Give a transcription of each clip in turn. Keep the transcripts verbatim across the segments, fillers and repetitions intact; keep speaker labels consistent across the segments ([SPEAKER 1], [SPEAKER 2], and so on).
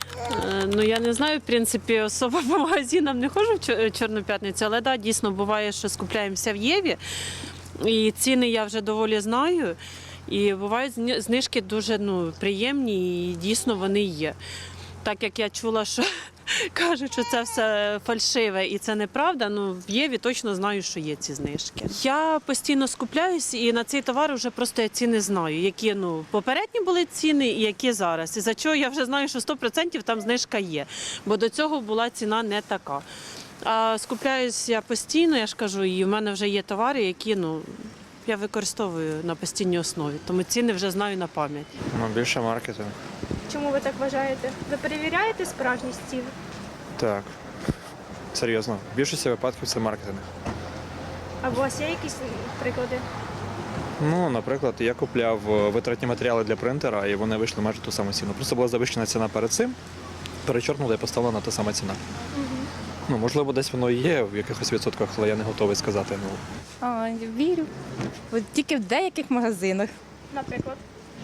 [SPEAKER 1] Е, Ну, я не знаю, в принципі, особо по магазинам не ходжу в Чор- Чорну п'ятницю, але да, дійсно буває, що скупляємося в Єві. І ціни я вже доволі знаю. І бувають зні- знижки дуже ну, приємні і дійсно вони є. Так як я чула, що кажуть, що це все фальшиве і це неправда, ну в Єві точно знаю, що є ці знижки. Я постійно скупляюсь і на цей товар вже просто я ціни знаю, які ну попередні були ціни і які зараз. І за чого я вже знаю, що сто відсотків там знижка є, бо до цього була ціна не така. А скупляюсь я постійно, я ж кажу, і в мене вже є товари, які ну я використовую на постійній основі, тому ціни вже знаю на пам'ять.
[SPEAKER 2] Ну, більше маркетинг.
[SPEAKER 3] Чому ви так вважаєте? Ви перевіряєте справжність цін?
[SPEAKER 2] Так. Серйозно. В більшості випадків це маркетинг.
[SPEAKER 3] А у вас є якісь приклади?
[SPEAKER 2] Ну, наприклад, я купляв е, витратні матеріали для принтера, і вони вийшли майже ту саму ціну. Просто була завищена ціна перед цим, перечоркнула і поставлена та сама ціна. Ну, можливо, десь воно і є в якихось відсотках, але я не готовий сказати. Ну,
[SPEAKER 4] А, вірю. От тільки в деяких магазинах.
[SPEAKER 3] Наприклад,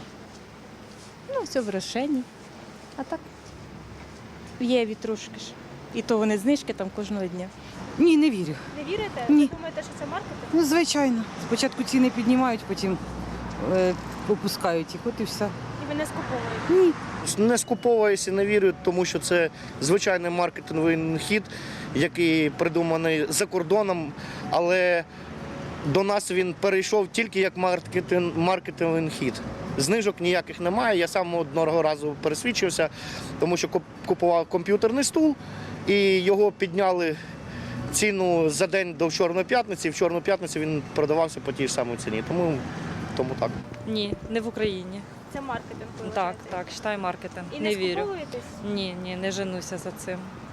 [SPEAKER 4] Ну, все в Рошені. А так в Єві трошки ж. І то вони знижки там кожного дня.
[SPEAKER 5] Ні, не вірю.
[SPEAKER 3] не вірите?
[SPEAKER 5] Ні.
[SPEAKER 3] Ви думаєте, що це маркетинг?
[SPEAKER 5] Ну, звичайно. Спочатку ціни піднімають, потім е, опускають їх, от і все.
[SPEAKER 3] І ви не скуповуєте?
[SPEAKER 5] Ні.
[SPEAKER 6] Не скуповуюся, не вірю, тому що це звичайний маркетинговий хід, який придуманий за кордоном, але до нас він перейшов тільки як маркетинг, маркетинговий хід. Знижок ніяких немає. Я сам одного разу пересвідчився, тому що купував комп'ютерний стул і його підняли ціну за день до Чорної п'ятниці. В Чорну п'ятницю він продавався по тій ж самій ціні. Тому, тому так.
[SPEAKER 7] Ні, не в Україні.
[SPEAKER 3] Це маркетинг. ви
[SPEAKER 7] Так,
[SPEAKER 3] вважаєте?
[SPEAKER 7] так, вважаю маркетинг.
[SPEAKER 3] І не,
[SPEAKER 7] не вірю.
[SPEAKER 3] скуповуєтесь?
[SPEAKER 7] Ні, ні, не женуся за цим.